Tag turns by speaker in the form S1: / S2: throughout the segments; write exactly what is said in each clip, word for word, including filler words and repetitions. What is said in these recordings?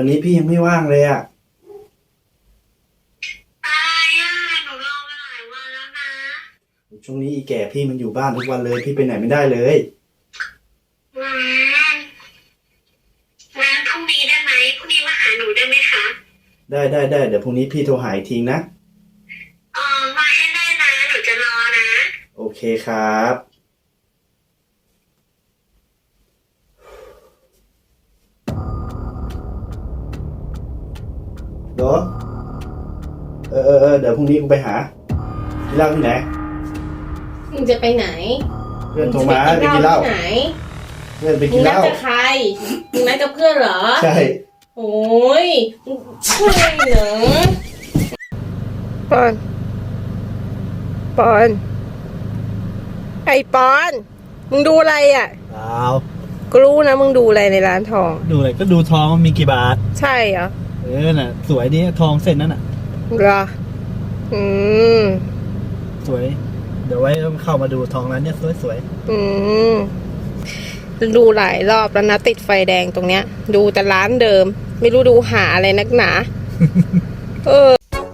S1: วันนี้พี่ยังไม่ว่างเลยอ่ะ
S2: อะไรอ่ะหนูรอมาหลายวันแล้วนะ
S1: ช่วงนี้อีแก่พี่มันอยู่บ้านทุกวันเลยพี่ไปไหนไม่ได้เลย
S2: อืมงั้นพรุ่งนี้ได้ไหมพรุ่งนี้มาหาหนูได้ไหมคะ
S1: ได้ได้ได้เดี๋ยวพรุ่งนี้พี่โทรหาอีกทีนะ
S2: เออมาให้ได้นะหนูจะรอนะ
S1: โอเคครับเดี๋ยวเออเออเออเดี๋ยวพรุ่งนี้กูไปหากินเหล้าที่ไหน
S3: มึงจะไปไหน
S1: เพื่อนโทรมาไปกินเหล้า
S3: ไหน
S1: เพื่อนไป
S3: มึ
S1: กินเหล้า
S3: งนัดกับใครมึงนัดกับเพื่อนเหรอ
S1: ใช่
S3: โอ้ยช่วยเหรอ
S4: ปอนปอนไอ้ปอนมึงดูอะไรอ่ะ
S5: เปล่า
S4: ก็รู้นะมึงดูอะไรในร้านทอง
S5: ดูอะไรก็ดูทองมีกี่บาท
S4: ใช่เหรอ
S5: เออน่ะสวยดีทองเส้นนั้นน่ะ
S4: เหรออืม
S5: สวยเดี๋ยวไว้ต้องเข้ามาดูทองร้านเนี้ยสวยสวย
S4: อืมดูหลายรอบแล้วนะติดไฟแดงตรงเนี้ยดูแต่ร้านเดิมไม่รู้ดูหาอะไรนักหนาเออ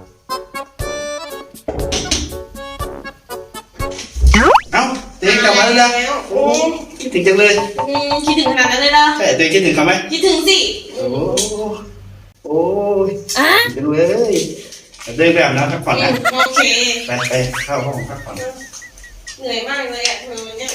S1: เอ้าเต็งกลับมาแล้วนะโอ้คิดถึงจังเลย
S3: อืมคิดถึงขนาดนั้นเลยเหรอ
S1: ใช่เต็งคิดถึงเขาไหม
S3: คิดถึงสิ
S1: โอ้โอ้ยอ่ะจังเลยเดินไปอาบน้ำพักผ่อนนะ
S3: โอเค
S1: ไปไปเข้าห้องพักผ่อน
S3: เหนื่อยมากเลยอ่ะเธอเนี่ย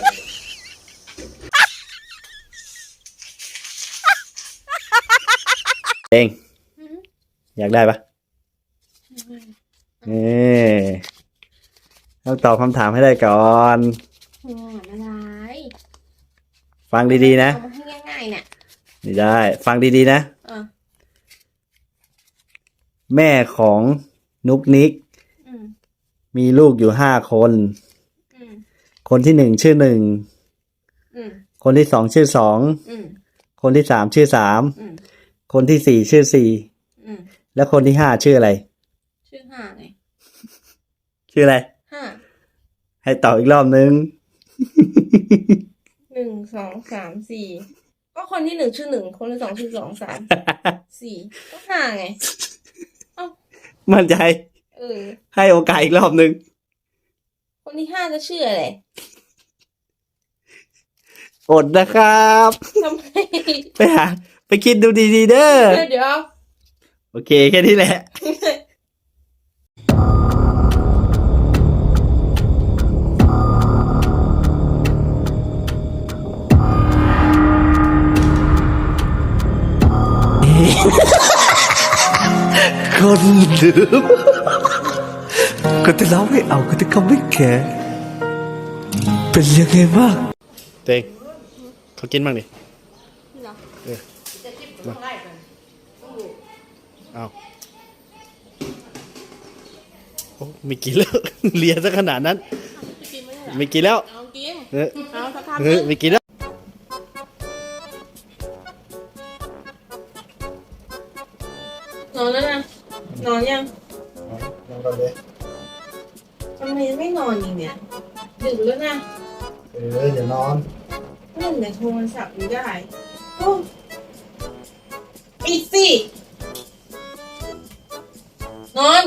S1: เองอยากได้ปะเออต้องตอบคำถามให้ได้ก่อน
S3: อะไร
S1: ฟังดีๆนะ
S3: เอามาให้ง่ายๆเนี่ย
S1: ไม่ได้ฟังดีๆนะแม่ของนุกนิกมีลูกอยู่ห้าคนคนที่หนึ่งชื่อหนึ่งคนที่สองชื่อสองคนที่สามชื่อสามคนที่สี่ชื่อสี่แล้วคนที่ห้าชื่ออะไร
S3: ชื่อห้าไง
S1: ชื่ออะไร
S3: ห้า
S1: ให้ตอบอีกรอบนึง
S3: หนึ่งสองสามสี่ก็คนที่หนึ่งชื่อหนึ่งคนที่สองชื่อสองสามสี่ก็ห้าไงเอ้า
S1: มั่นใจ
S3: เออ
S1: ให้โอกาสอีกรอบนึง
S3: คนที่ห้าจะชื่ออะไร
S1: อดนะครับ
S3: ทำไม
S1: ไปหาไปคิดดูดีๆเด้อ
S3: เดี๋ยว
S1: โอเคแค่นี้แหละ
S5: คนเดิมก็จะเล่าไม่เอาก็จะเขาไม่แก่เป็นยังไงบ้าง
S1: เต็งเขากินบ้างดิเออเอาโอ้ไม่กินแล้วเลียซะขนาดนั้นไม่กินแล้ว
S3: เอากิน
S1: เออ
S3: เอาสักคำ
S1: เออไม่กินแล้ว
S3: นอนแล้วนะนอนยัง
S1: นอนก่อนเลย
S3: ทำไมไม่นอนอีกเนี่ยดึกแล้วนะ
S1: เออเดี๋ยวนอน
S3: เล่นแต่โทรศัพท์อยู่ได้โอ้ปิดสิ นอน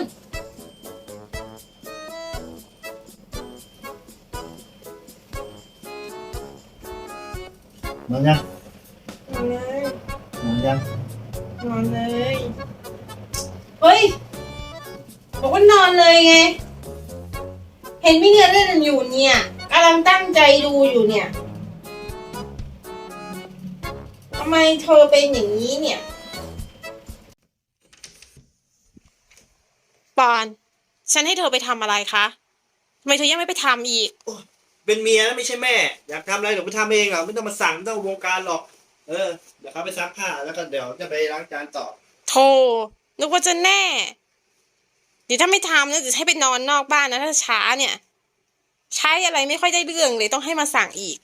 S1: นอนยัง
S3: นอนเลย
S1: นอนยัง
S3: นอนเลยเฮ้ยบอกว่านอนเลยไงเห็นพี่เงินเล่นอยู่เนี่ยกำลังตั้งใจดูอยู่เนี่ยทำไมเธอเป็นอย่างนี้เนี่ยปอนฉันให้เธอไปทำอะไรคะทำไมเธอยังไม่ไปทำอีก
S1: เป็นเมียนะไม่ใช่แม่อยากทำอะไรเดี๋ยวไปทำเองหรอไม่ต้องมาสั่งไม่ต้องวงการหรอกเออเดี๋ยวเขาไปซักผ้าแล้วก็เดี๋ยวจะไปล้างจานต่อ
S3: โธ่นึกว่าจะแน่เดี๋ยวถ้าไม่ทำนะจะให้ไปนอนนอกบ้านนะถ้าช้าเนี่ยใช้อะไรไม่ค่อยได้เรื่องเลยต้องให้มาสั่งอีก